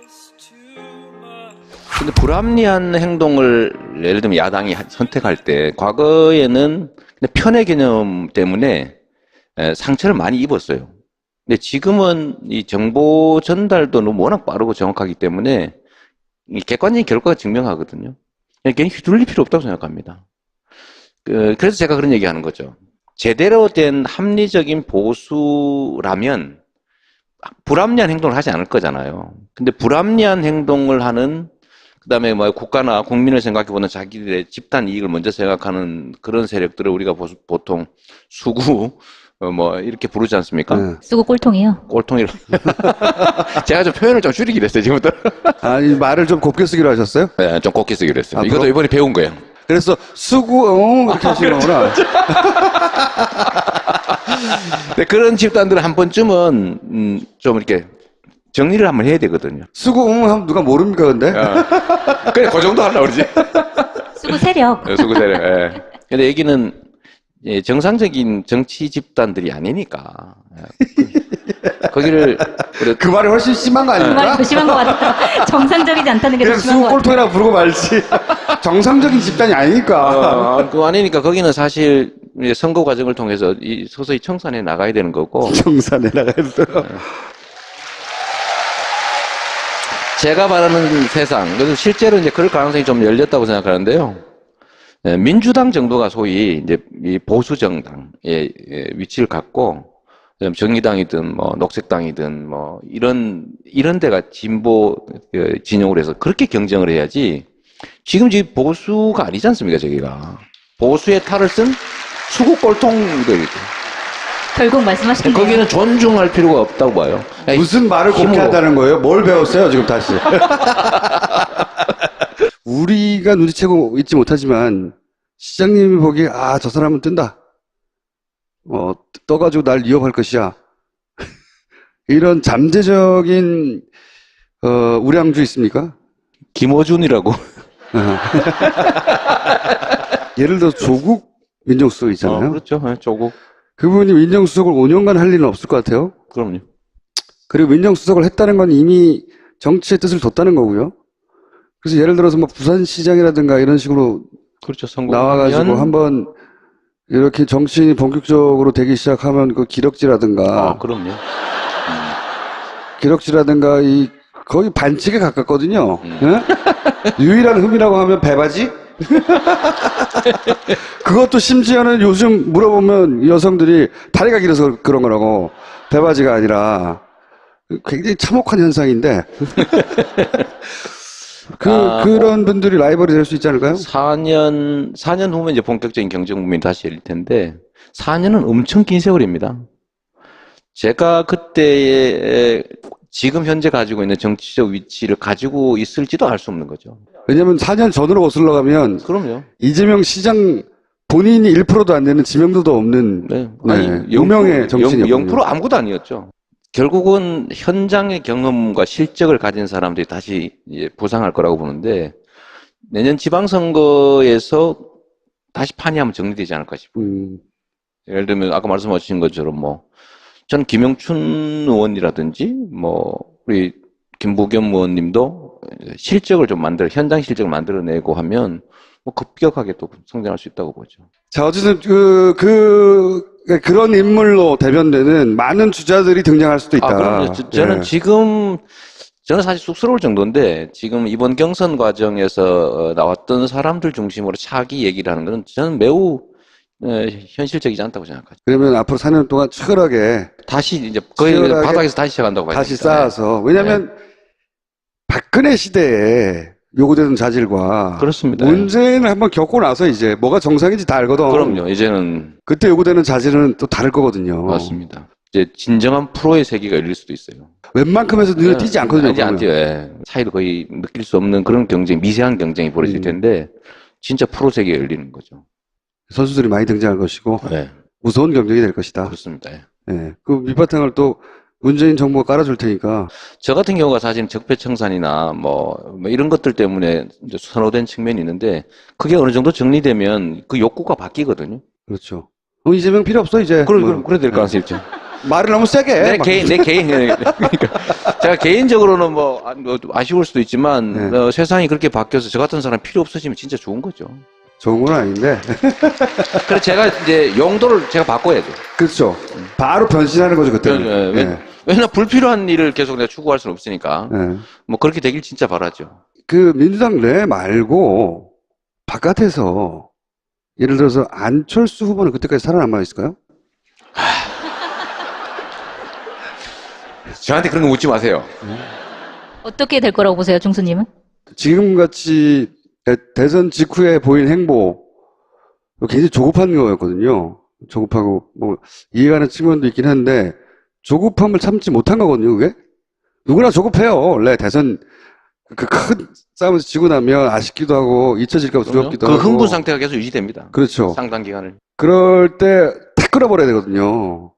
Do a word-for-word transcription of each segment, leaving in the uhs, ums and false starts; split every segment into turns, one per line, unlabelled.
근데 불합리한 행동을 예를 들면 야당이 선택할 때 과거에는 편의 개념 때문에 상처를 많이 입었어요. 근데 지금은 이 정보 전달도 너무 워낙 빠르고 정확하기 때문에 객관적인 결과가 증명하거든요. 괜히 휘둘릴 필요 없다고 생각합니다. 그래서 제가 그런 얘기 하는 거죠. 제대로 된 합리적인 보수라면 불합리한 행동을 하지 않을 거잖아요. 근데 불합리한 행동을 하는, 그 다음에 뭐 국가나 국민을 생각해보는 자기들의 집단 이익을 먼저 생각하는 그런 세력들을 우리가 보통 수구, 뭐 이렇게 부르지 않습니까?
네.
수구 꼴통이요?
꼴통이라. 제가 좀 표현을 좀 줄이기로 했어요, 지금부터.
아니, 말을 좀 곱게 쓰기로 하셨어요?
네, 좀 곱게 쓰기로 했어요.
아,
이것도
그럼?
이번에 배운 거예요.
그래서 수구, 어, 이렇게 하시는 거구나.
네, 그런 집단들은 한 번쯤은, 음, 좀 이렇게 정리를 한번 해야 되거든요.
수구, 응, 하면 누가 모릅니까, 근데?
어. 그래, 그 정도 하려고 그러지.
수구 세력.
네, 수구 세력, 예. 근데 얘기는, 예, 정상적인 정치 집단들이 아니니까. 그, 거기를, 그래,
그 말이 훨씬 심한 거
그 말이
아닙니까?
더 심한 것 같아요. 정상적이지 않다는 게 더
그냥
심한
수구
것 같아요.
꼴통이라 부르고 말지. 정상적인 집단이 아니니까.
어, 그거 아니니까 거기는 사실 이제 선거 과정을 통해서 이 서서히 청산해 나가야 되는 거고.
정산에 나가야 돼요.
제가 바라는 세상, 그래서 실제로 이제 그럴 가능성이 좀 열렸다고 생각하는데요. 예, 민주당 정도가 소위 이제 이 보수 정당의 위치를 갖고, 정의당이든 뭐 녹색당이든 뭐 이런 이런 데가 진보 진영으로 해서 그렇게 경쟁을 해야지. 지금 지금 보수가 아니지 않습니까, 저기가. 보수의 탈을 쓴 수구 꼴통들.
결국 말씀하신 게
거기는 존중할 필요가 없다고 봐요.
무슨 말을 곱게
힘으로.
한다는 거예요? 뭘 배웠어요, 지금 다시? 우리가 눈치채고 있지 못하지만, 시장님이 보기에, 아, 저 사람은 뜬다. 어, 떠가지고 날 위협할 것이야. 이런 잠재적인, 어, 우량주 있습니까?
김어준이라고.
예를 들어 조국 민정수석 있잖아요.
어, 그렇죠. 네, 조국.
그분이 민정수석을 오 년간 할 일은 없을 것 같아요.
그럼요.
그리고 민정수석을 했다는 건 이미 정치의 뜻을 뒀다는 거고요. 그래서 예를 들어서 뭐 부산시장이라든가 이런 식으로
그렇죠. 선거
나와가지고 한번 이렇게 정치인이 본격적으로 되기 시작하면 그 기럭지라든가
아, 그럼요.
기럭지라든가 이 거의 반칙에 가깝거든요.
음.
예? 유일한 흠이라고 하면 배바지? 그것도 심지어는 요즘 물어보면 여성들이 다리가 길어서 그런 거라고 배바지가 아니라 굉장히 참혹한 현상인데 그,
아,
그런 분들이 라이벌이 될 수 있지 않을까요?
사 년, 사 년 후면 이제 본격적인 경쟁 국면이 다시 열릴 텐데, 사 년은 엄청 긴 세월입니다. 제가 그때의 지금 현재 가지고 있는 정치적 위치를 가지고 있을지도 알 수 없는 거죠.
왜냐면 사 년 전으로 거슬러 가면
그럼요.
이재명 시장 본인이 일 퍼센트도 안 되는 지명도도 없는
네.
네,
아니,
유명의 정치인이었거든요.
영 퍼센트 아무것도 아니었죠. 결국은 현장의 경험과 실적을 가진 사람들이 다시 이제 부상할 거라고 보는데, 내년 지방선거에서 다시 판이 한번 정리되지 않을까 싶어요.
음,
예를 들면 아까 말씀하신 것처럼 뭐 전 김영춘 의원이라든지 뭐 우리 김부겸 의원님도 실적을 좀 만들어 현장 실적을 만들어내고 하면 뭐 급격하게 또 성장할 수 있다고 보죠.
자, 어쨌든 그, 그, 그런 인물로 대변되는 많은 주자들이 등장할 수도 있다.
아, 그럼요. 저, 저는
예.
지금 저는 사실 쑥스러울 정도인데 지금 이번 경선 과정에서 나왔던 사람들 중심으로 차기 얘기를 하는 것은 저는 매우 어, 현실적이지 않다고 생각하죠.
그러면 앞으로 사 년 동안 치열하게
다시 이제 거의
치열하게
바닥에서 다시 시작한다고 봐야
다시
됩니다.
쌓아서. 왜냐면 박근혜 시대에 요구되는 자질과
그렇습니다.
문재인을 한번 겪고 나서 이제 뭐가 정상인지 다 알거든.
그럼요. 이제는
그때 요구되는 자질은 또 다를 거거든요.
맞습니다. 이제 진정한 프로의 세계가 열릴 수도 있어요.
웬만큼에서 눈에 띄지 않거든요.
이제 안
그러면.
띄어요. 예. 차이도 거의 느낄 수 없는 그런 경쟁, 미세한 경쟁이 벌어질
음.
텐데 진짜 프로 세계가 열리는 거죠.
선수들이 많이 등장할 것이고
네,
무서운 경쟁이 될 것이다.
그렇습니다. 예.
예. 그 밑바탕을 또 문재인 정부가 깔아줄 테니까.
저 같은 경우가 사실 적폐청산이나 뭐, 뭐 이런 것들 때문에 이제 선호된 측면이 있는데 그게 어느 정도 정리되면 그 욕구가 바뀌거든요.
그렇죠. 어, 이재명 필요 없어 이제.
그래,
뭐.
그래, 그래 될 가능성이 있죠.
말을 너무 세게 해.
내
막.
개인, 내 개인. 그러니까 제가 개인적으로는 뭐, 아, 뭐 아쉬울 수도 있지만,
네.
어, 세상이 그렇게 바뀌어서 저 같은 사람 필요 없어지면 진짜 좋은 거죠.
좋은 건 아닌데.
그래서 제가 이제 용도를 제가 바꿔야죠.
그렇죠. 바로 변신하는 거죠, 그때는.
네, 네.
네.
왜냐면 불필요한 일을 계속 내가 추구할 수는 없으니까.
네.
뭐 그렇게 되길 진짜 바라죠.
그 민주당 내 말고 바깥에서 예를 들어서 안철수 후보는 그때까지 살아남아 있을까요?
저한테 그런 거 묻지 마세요.
어떻게 될 거라고 보세요, 중수님은?
지금같이 대- 대선 직후에 보인 행보 굉장히 조급한 거였거든요. 조급하고 뭐 이해가는 측면도 있긴 한데 조급함을 참지 못한 거거든요. 그게 누구나 조급해요. 원래 대선 그 큰 싸움에서 지고 나면 아쉽기도 하고 잊혀질까 봐 두렵기도
그
하고.
흥분 상태가 계속 유지됩니다.
그렇죠.
상당 기간을.
그럴 때 탁 끌어버려야 되거든요.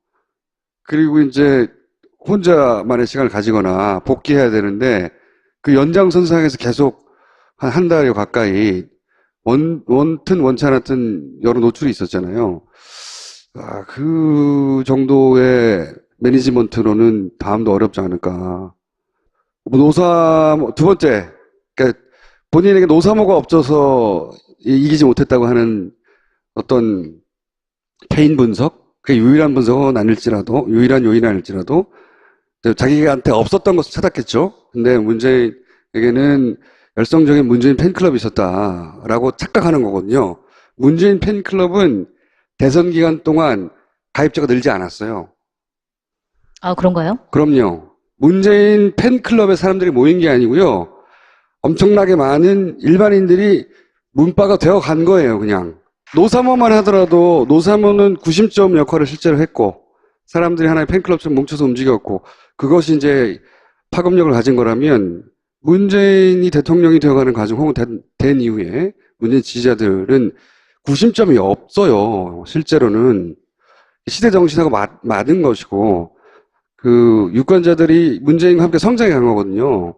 그리고 이제 혼자만의 시간을 가지거나 복귀해야 되는데 그 연장선상에서 계속 한 한 달여 가까이 원, 원튼 원치 않았든 여러 노출이 있었잖아요. 아, 그 정도의 매니지먼트로는 다음도 어렵지 않을까. 뭐 노사, 두 번째, 그러니까 본인에게 노사모가 없어서 이- 이기지 못했다고 하는 어떤 개인 분석, 그 유일한 분석은 아닐지라도, 유일한 요인은 아닐지라도, 자기한테 없었던 것을 찾았겠죠. 근데 문재인에게는 열성적인 문재인 팬클럽이 있었다라고 착각하는 거거든요. 문재인 팬클럽은 대선 기간 동안 가입자가 늘지 않았어요.
아, 그런가요?
그럼요. 문재인 팬클럽에 사람들이 모인 게 아니고요. 엄청나게 많은 일반인들이 문바가 되어 간 거예요, 그냥. 노사모만 하더라도 노사모는 구심점 역할을 실제로 했고 사람들이 하나의 팬클럽처럼 뭉쳐서 움직였고 그것이 이제 파급력을 가진 거라면 문재인이 대통령이 되어가는 과정 혹은 된, 된 이후에 문재인 지지자들은 구심점이 없어요. 실제로는 시대 정신하고 맞, 맞은 것이고 그 유권자들이 문재인과 함께 성장해 간 거거든요.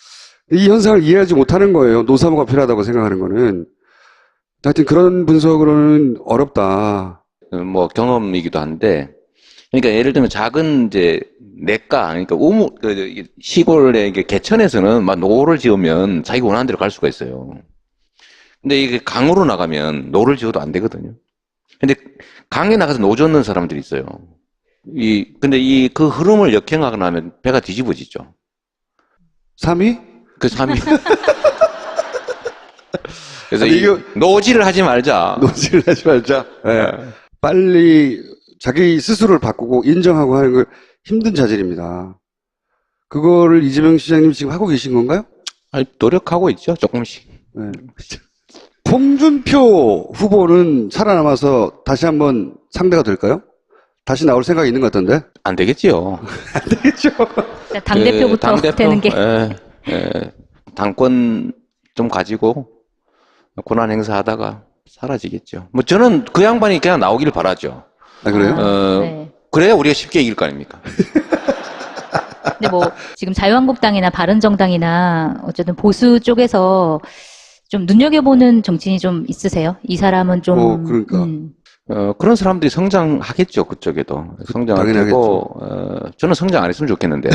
이 현상을 이해하지 못하는 거예요. 노사모가 필요하다고 생각하는 거는. 하여튼 그런 분석으로는 어렵다.
어, 뭐 경험이기도 한데, 그러니까 예를 들면 작은 이제 내과, 그러니까 우무 그 이게 시골의 이게 개천에서는 막 노를 지으면 자기가 원하는 대로 갈 수가 있어요. 근데 이게 강으로 나가면 노를 지어도 안 되거든요. 근데 강에 나가서 노 젓는 사람들이 있어요. 이 근데 이 그 흐름을 역행하거나 하면 배가 뒤집어지죠.
삼 위?
그 삼 위. 그래서
아니,
이
이거-
노지를 하지 말자.
노지를 하지 말자. 네. 빨리 자기 스스로를 바꾸고 인정하고 하는 걸 힘든 자질입니다. 그거를 이재명 시장님 지금 하고 계신 건가요?
아니, 노력하고 있죠, 조금씩.
네. 홍준표 후보는 살아남아서 다시 한번 상대가 될까요? 다시 나올 생각이 있는 것 같던데?
안 되겠지요.
되겠죠.
당대표부터
그 당대표,
되는 게.
예, 예, 당권 좀 가지고 권한 행사하다가 사라지겠죠. 뭐 저는 그 양반이 그냥 나오길 바라죠.
아, 그래요?
어,
네.
그래야 우리가 쉽게 이길 거 아닙니까?
근데 뭐 지금 자유한국당이나 바른정당이나 어쨌든 보수 쪽에서 좀 눈여겨보는 정치인이 좀 있으세요? 이 사람은 좀
어, 그러니까.
음,
어, 그런 사람들이 성장하겠죠, 그쪽에도. 성장을
당연하겠죠.
하고, 어, 저는 성장 안 했으면 좋겠는데.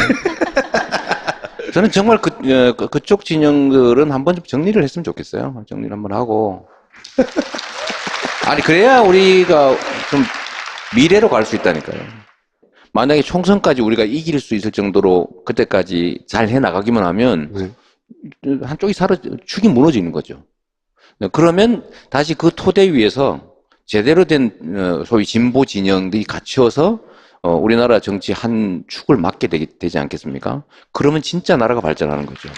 저는 정말 그, 어, 그- 그쪽 진영들은 한번 좀 정리를 했으면 좋겠어요. 정리를 한번 하고. 아니, 그래야 우리가 좀 미래로 갈 수 있다니까요. 만약에 총선까지 우리가 이길 수 있을 정도로 그때까지 잘 해나가기만 하면
네.
한쪽이 사라, 축이 무너지는 거죠. 그러면 다시 그 토대 위에서 제대로 된 어, 소위 진보 진영들이 갖춰서 어, 우리나라 정치 한 축을 맡게 되기, 되지 않겠습니까? 그러면 진짜 나라가 발전하는 거죠.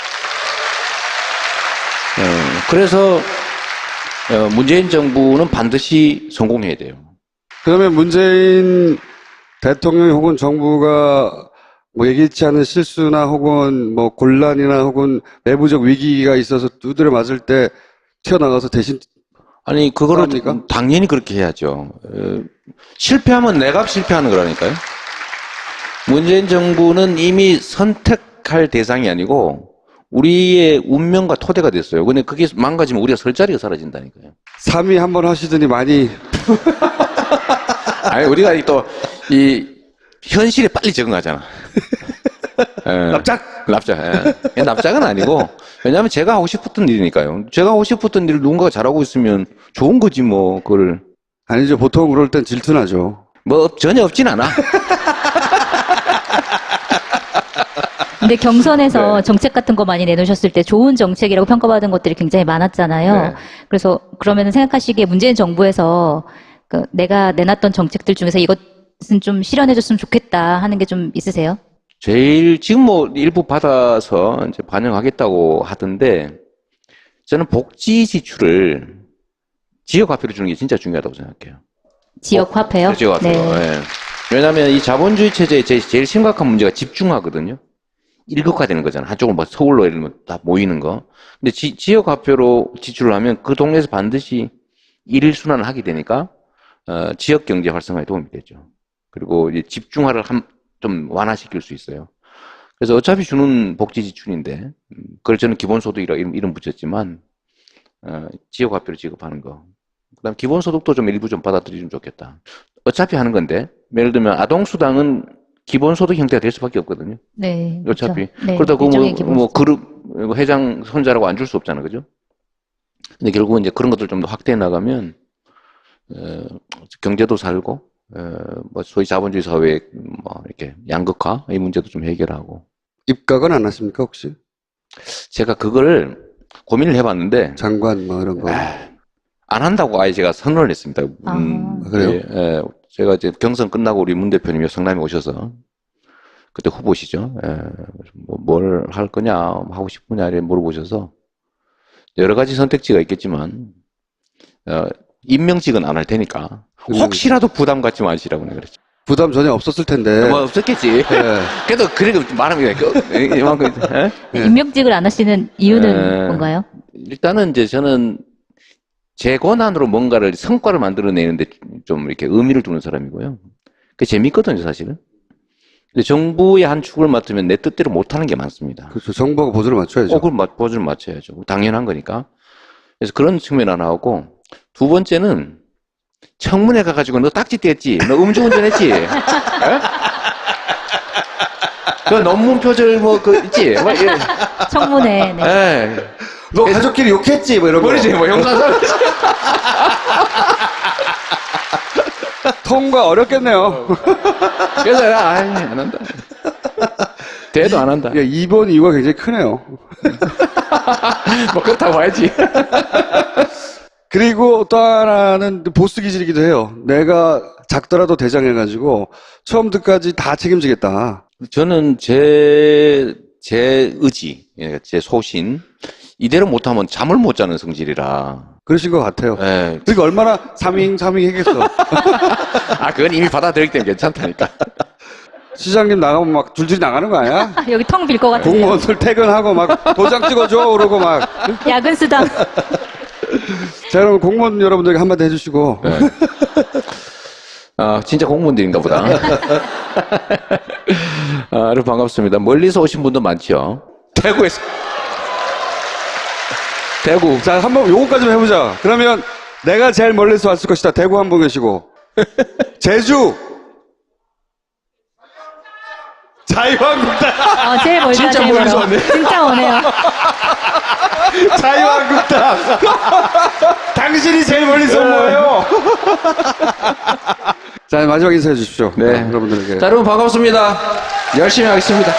어, 그래서 어, 문재인 정부는 반드시 성공해야 돼요.
그러면 문재인 대통령 혹은 정부가 뭐 예기치 않은 실수나 혹은 뭐 곤란이나 혹은 내부적 위기가 있어서 두드려 맞을 때 튀어나가서 대신
아니 그거를
그럽니까?
당연히 그렇게 해야죠. 어, 실패하면 내가 실패하는 거라니까요. 문재인 정부는 이미 선택할 대상이 아니고 우리의 운명과 토대가 됐어요. 근데 그게 망가지면 우리가 설 자리가 사라진다니까요.
삼 위 한번 하시더니 많이
아니 우리가 또 이 현실에 빨리 적응하잖아. 예.
납작?
납작. 예. 납작은 아니고, 왜냐하면 제가 하고 싶었던 일이니까요. 제가 하고 싶었던 일을 누군가가 잘하고 있으면 좋은 거지, 뭐, 그걸.
아니죠. 보통 그럴 땐 질투나죠.
뭐, 없- 전혀 없진 않아.
근데 경선에서
네.
정책 같은 거 많이 내놓으셨을 때 좋은 정책이라고 평가받은 것들이 굉장히 많았잖아요.
네.
그래서 그러면 생각하시기에 문재인 정부에서 그 내가 내놨던 정책들 중에서 이것은 좀 실현해줬으면 좋겠다 하는 게 좀 있으세요?
제일, 지금 뭐, 일부 받아서 이제 반영하겠다고 하던데, 저는 복지 지출을 지역 화폐로 주는 게 진짜 중요하다고 생각해요.
지역 화폐요?
지역 화폐로.
네.
예. 왜냐하면 이 자본주의 체제의 제- 제일 심각한 문제가 집중화거든요. 일극화되는 거잖아. 한쪽으로 뭐 서울로 예를 들면 다 모이는 거. 근데 지, 지역 화폐로 지출을 하면 그 동네에서 반드시 일순환을 하게 되니까, 어, 지역 경제 활성화에 도움이 되죠. 그리고 이제 집중화를 한, 좀 완화시킬 수 있어요. 그래서 어차피 주는 복지 지출인데, 음, 그걸 저는 기본소득이라 이름, 이름 붙였지만, 어, 지역 화폐로 지급하는 거. 그 다음 기본소득도 좀 일부 좀 받아들이면 좋겠다. 어차피 하는 건데, 예를 들면 아동수당은 기본소득 형태가 될 수밖에 없거든요.
네.
어차피.
그렇죠. 네.
그러다 그
일종의
뭐,
기본
뭐
수준.
그룹, 회장 손자라고 안 줄 수 없잖아. 그죠? 근데 결국은 이제 그런 것들 좀 더 확대해 나가면, 어, 경제도 살고, 어, 뭐 소위 자본주의 사회의 뭐 이렇게 양극화, 이 문제도 좀 해결하고.
입각은 안 하십니까, 혹시?
제가 그걸 고민을 해봤는데,
장관 뭐 이런 거.
아, 안 한다고 아예 제가 선언을 했습니다.
아.
아, 그래요?
예, 예, 제가 이제 경선 끝나고 우리 문 대표님이 성남에 오셔서 그때 후보시죠. 예, 뭐, 뭘 할 거냐, 하고 싶으냐 이렇게 물어보셔서 여러 가지 선택지가 있겠지만 어, 임명직은 안 할 테니까 혹시라도 부담 갖지 마시라고 내가 그랬죠.
부담 전혀 없었을 텐데.
뭐 없었겠지.
예.
그래도 그래도 말하면 그, 이만큼 예?
예.
임명직을 안 하시는 이유는
에,
뭔가요?
일단은 이제 저는 제 권한으로 뭔가를 성과를 만들어내는데 좀 이렇게 의미를 두는 사람이고요. 그게 재밌거든요, 사실은. 근데 정부의 한 축을 맡으면 내 뜻대로 못하는 게 많습니다.
그렇죠. 정부가 보조를 맞춰야죠.
어, 그럼 맞- 보조를 맞춰야죠. 당연한 거니까. 그래서 그런 측면 하나 하고, 두 번째는 청문회 가가지고 너 딱지 뗐지? 너 음주운전 했지? 에? 그 논문 표절 뭐, 그, 있지? 뭐, 예.
청문회. 네.
예.
너 가족끼리 욕했지? 뭐 이런 거.
버리지, 뭐, 형사상.
통과 어렵겠네요.
그래서, 내가, 아이, 안 한다. 대도 안 한다.
예, 이 번 이유가 굉장히 크네요.
뭐, 그렇다고 봐야지.
그리고 또 하나는 보스 기질이기도 해요. 내가 작더라도 대장해가지고 처음부터까지 다 책임지겠다.
저는 제, 제 의지, 예, 제 소신, 이대로 못하면 잠을 못 자는 성질이라.
그러신 것 같아요.
예.
그러니까 얼마나 삼잉 삼잉 했겠어.
아, 그건 이미 받아들였기 때문에 괜찮다니까.
시장님 나가면 막 줄줄이 나가는 거 아니야?
아, 여기 텅 빌 것 같아요.
공무원들 퇴근하고 막 도장 찍어줘 그러고 막.
야근 수당.
자, 여러분 공무원 여러분들에게 한마디 해주시고.
네. 아, 진짜 공무원들인가 보다. 아, 여러분 반갑습니다. 멀리서 오신 분도 많죠. 대구에서. 대구.
자, 한번 요거까지만 해보자. 그러면 내가 제일 멀리서 왔을 것이다. 대구 한 분 계시고. 제주. 자유한국당.
어, 제일 멀다.
진짜
제일
멀리서
멀어.
왔네.
진짜 오네요.
자유한국당. 당신이 제일 멀리서 온 거예요. 자, 마지막 인사해 주십시오.
네.
여러분들에게.
자, 여러분 반갑습니다. 열심히 하겠습니다.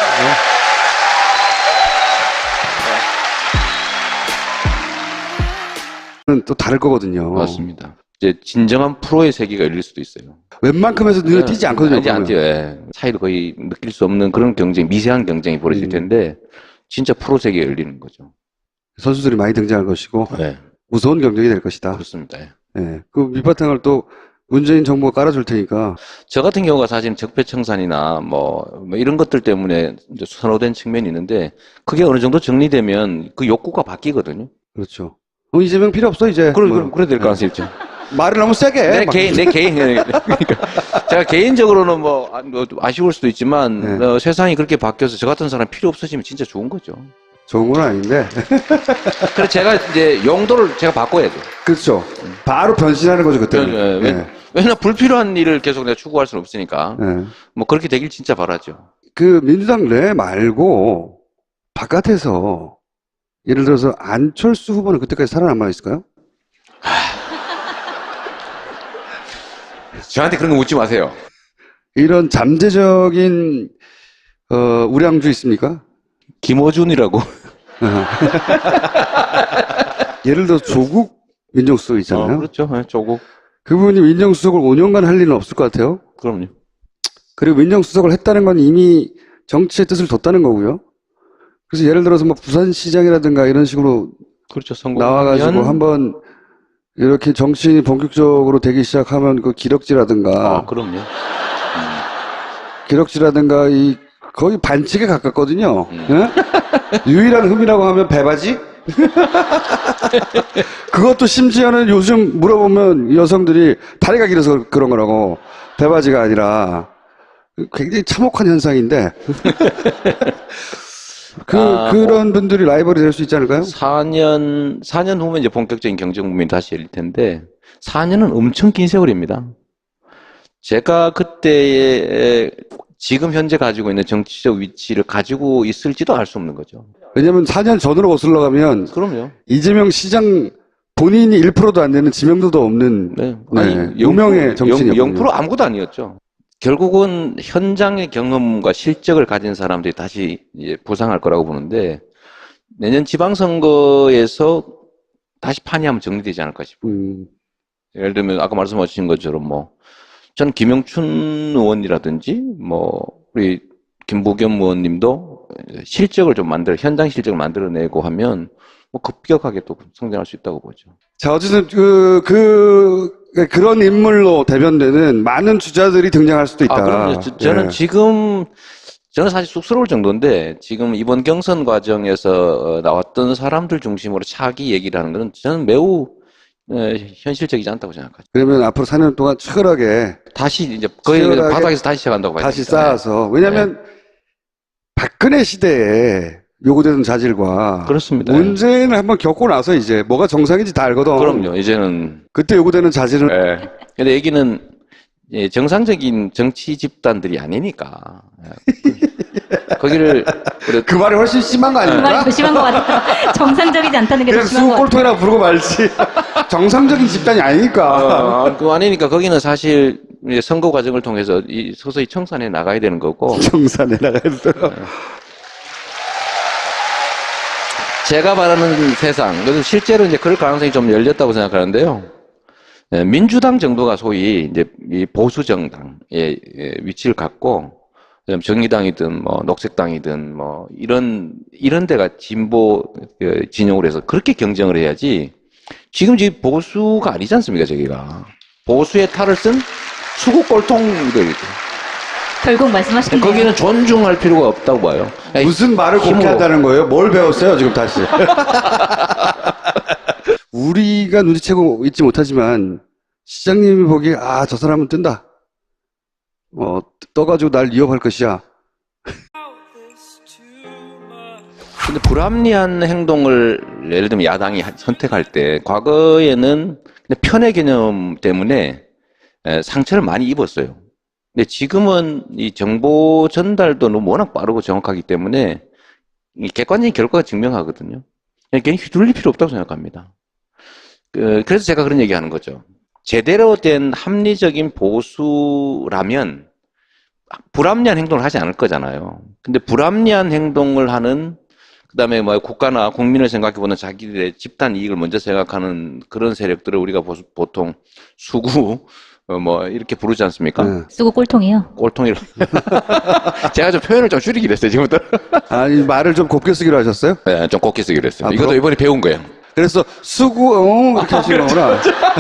또 다를 거거든요.
맞습니다. 이제 진정한 프로의 세계가 열릴 수도 있어요.
웬만큼에서 눈에 띄지 않거든요.
이제 안
보면.
띄어요. 예. 차이를 거의 느낄 수 없는 그런 경쟁, 미세한 경쟁이 벌어질
음.
텐데, 진짜 프로 세계가 열리는 거죠.
선수들이 많이 등장할 것이고
네.
무서운 경쟁이 될 것이다.
그렇습니다. 예.
예. 그 밑바탕을 또 문재인 정부가 깔아줄 테니까.
저 같은 경우가 사실 적폐청산이나 뭐, 뭐 이런 것들 때문에 이제 선호된 측면이 있는데, 그게 어느 정도 정리되면 그 욕구가 바뀌거든요.
그렇죠. 어, 이재명 필요 없어 이제.
그래,
뭐.
그래, 그래 될 가능성이 있죠.
말을 너무 세게.
내
막.
개인, 내 개인, 그러니까 제가 개인적으로는 뭐, 아, 뭐 아쉬울 수도 있지만,
네.
어, 세상이 그렇게 바뀌어서 저 같은 사람 필요 없어지면 진짜 좋은 거죠.
좋은 건 아닌데.
그래서 제가 이제 용도를 제가 바꿔야죠.
그렇죠. 바로 변신하는 거죠 그때는.
예, 예.
예.
왜냐면 불필요한 일을 계속 내가 추구할 수는 없으니까.
예.
뭐 그렇게 되길 진짜 바라죠.
그 민주당 내 말고 바깥에서 예를 들어서 안철수 후보는 그때까지 살아남아 있을까요?
저한테 그런 거 묻지 마세요.
이런 잠재적인 어, 우량주 있습니까?
김어준이라고.
예를 들어 조국 민정수석
어,
있잖아요.
그렇죠. 네, 조국.
그분이 민정수석을 오 년간 할 일은 없을 것 같아요.
그럼요.
그리고 민정수석을 했다는 건 이미 정치의 뜻을 뒀다는 거고요. 그래서 예를 들어서 뭐 부산시장이라든가 이런 식으로
그렇죠. 성공.
나와가지고 한번 이렇게 정치인이 본격적으로 되기 시작하면 그 기럭지라든가
아, 그럼요.
기럭지라든가 이 거의 반칙에 가깝거든요.
음.
예? 유일한 흠이라고 하면 배바지? 그것도 심지어는 요즘 물어보면 여성들이 다리가 길어서 그런 거라고 배바지가 아니라 굉장히 참혹한 현상인데 그
아,
그런 분들이 라이벌이 될 수 있지 않을까요?
사 년, 사 년 후면 이제 본격적인 경쟁국민이 다시 열릴 텐데, 사 년은 엄청 긴 세월입니다. 제가 그때의 지금 현재 가지고 있는 정치적 위치를 가지고 있을지도 알 수 없는 거죠.
왜냐면 사 년 전으로 거슬러 가면
그럼요.
이재명 시장 본인이 일 퍼센트도 안 되는 지명도도 없는
네.
네, 유명의 정치인이었군요.
영 퍼센트 아무것도 아니었죠. 결국은 현장의 경험과 실적을 가진 사람들이 다시 이제 부상할 거라고 보는데, 내년 지방선거에서 다시 판이 한번 정리되지 않을까 싶어요.
음,
예를 들면 아까 말씀하신 것처럼 뭐 전 김영춘 의원이라든지 뭐 우리 김부겸 의원님도 실적을 좀 만들어 현장 실적을 만들어내고 하면 뭐 급격하게 또 성장할 수 있다고 보죠.
자, 어쨌든 그, 그, 그런 인물로 대변되는 많은 주자들이 등장할 수도 있다.
아, 그럼요. 저, 저는
예.
지금 저는 사실 쑥스러울 정도인데 지금 이번 경선 과정에서 나왔던 사람들 중심으로 차기 얘기를 하는 것은 저는 매우 어, 현실적이지 않다고 생각하죠.
그러면 앞으로 사 년 동안 치열하게
다시 이제 거의
치열하게
바닥에서 다시 시작한다고 봐야
다시
됩니다.
쌓아서. 왜냐면 박근혜 시대에 요구되는 자질과
그렇습니다.
문재인을 한번 겪고 나서 이제 뭐가 정상인지 다 알거든.
그럼요. 이제는
그때 요구되는 자질은
예. 근데 여기는 예, 정상적인 정치 집단들이 아니니까. 예. 거기를 그래,
그 말이 훨씬 심한 거
그 말이
아닙니까?
더 심한 것 같아요. 정상적이지 않다는 게 더
그냥
심한 것 같아요.
수국골통이라고 부르고 말지. 정상적인 집단이 아니니까.
어, 그 아니니까 거기는 사실 이제 선거 과정을 통해서 이 서서히 청산해 나가야 되는 거고.
정산에 나가야 돼요.
제가 바라는 세상, 그래서 실제로 이제 그럴 가능성이 좀 열렸다고 생각하는데요. 예, 민주당 정도가 소위 이제 이 보수 정당의 예, 위치를 갖고 그다음 정의당이든 뭐 녹색당이든 뭐 이런 이런 데가 진보 그 진영으로 해서 그렇게 경쟁을 해야지. 지금 지금 보수가 아니지 않습니까, 저기가. 보수의 탈을 쓴 수국 꼴통들.
결국 말씀하신 게
거기는 존중할 필요가 없다고 봐요. 아니,
무슨 말을 곱게
힘으로.
한다는 거예요? 뭘 배웠어요, 지금 다시? 우리가 눈치채고 있지 못하지만, 시장님이 보기에, 아, 저 사람은 뜬다. 어, 떠가지고 날 위협할 것이야.
근데 불합리한 행동을 예를 들면 야당이 하- 선택할 때 과거에는 그냥 편의 개념 때문에 에, 상처를 많이 입었어요. 근데 지금은 이 정보 전달도 너무 워낙 빠르고 정확하기 때문에 이 객관적인 결과가 증명하거든요. 그냥 괜히 휘둘릴 필요 없다고 생각합니다. 그, 그래서 제가 그런 얘기 하는 거죠. 제대로 된 합리적인 보수라면 불합리한 행동을 하지 않을 거잖아요. 근데 불합리한 행동을 하는 그다음에 뭐 국가나 국민을 생각해보는 자기들의 집단 이익을 먼저 생각하는 그런 세력들을 우리가 보수- 보통 수구 어, 뭐 이렇게 부르지 않습니까?
네.
쓰고 꼴통이요.
꼴통이라. 제가 좀 표현을 좀 줄이기로 했어요, 지금부터.
아니, 말을 좀 곱게 쓰기로 하셨어요?
네, 좀 곱게 쓰기로 했어요.
앞으로?
이것도 이번에 배운 거예요.
그래서, 수구, 어, 이렇게 하시는 거구나.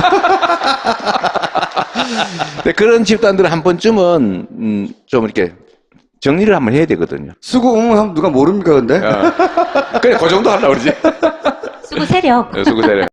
근데 그런 집단들은 한 번쯤은 음, 좀 이렇게 정리를 한번 해야 되거든요.
수구, 응, 하면 누가 모릅니까, 근데?
그래, 그 정도 하려고 그러지.
쓰고 세력.
수구 세력.